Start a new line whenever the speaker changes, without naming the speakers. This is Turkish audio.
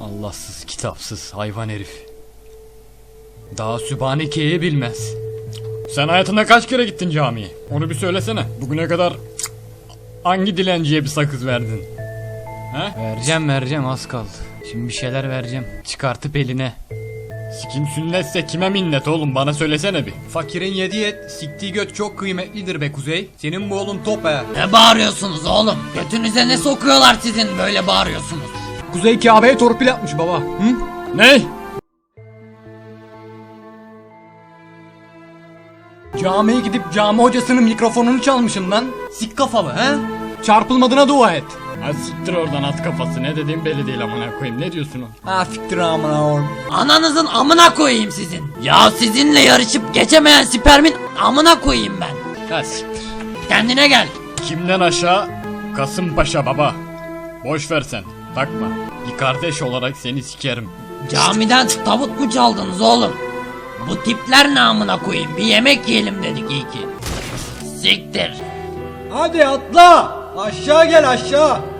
Allahsız, kitapsız hayvan herif. Daha Sübhaneke'yi bilmez. Sen hayatında kaç kere gittin camiye? Onu bir söylesene. Bugüne kadar hangi dilenciye bir sakız verdin? He? Vereceğim az kaldı. Şimdi bir şeyler vereceğim. Çıkartıp eline. Sikim sünnetse kime minnet oğlum, bana söylesene bir. Fakirin yediği et, siktiği göt çok kıymetlidir be Kuzey. Senin bu oğlun top he.
Ne bağırıyorsunuz oğlum? Götünüze ne sokuyorlar sizin böyle bağırıyorsunuz?
Kuzey Kabe'ye torpil atmış baba. Hı? Ne? Camiye gidip cami hocasının mikrofonunu çalmışım lan. Sik kafalı he? Çarpılmadığına dua et. Ha siktir oradan at kafası, ne dediğim belli değil amına koyayım, ne diyorsun o? Ha siktir amına oğlum.
Ananızın amına koyayım sizin. Ya sizinle yarışıp geçemeyen spermin amına koyayım ben.
Ha siktir.
Kendine gel.
Kimden aşağı? Kasımpaşa baba. Boş ver sen, takma. Bir kardeş olarak seni sikerim.
Camiden tavuk mu çaldınız oğlum? Bu tipler ne amına koyayım? Bir yemek yiyelim dedik iyi ki. Siktir.
Hadi atla. Aşağı gel aşağı.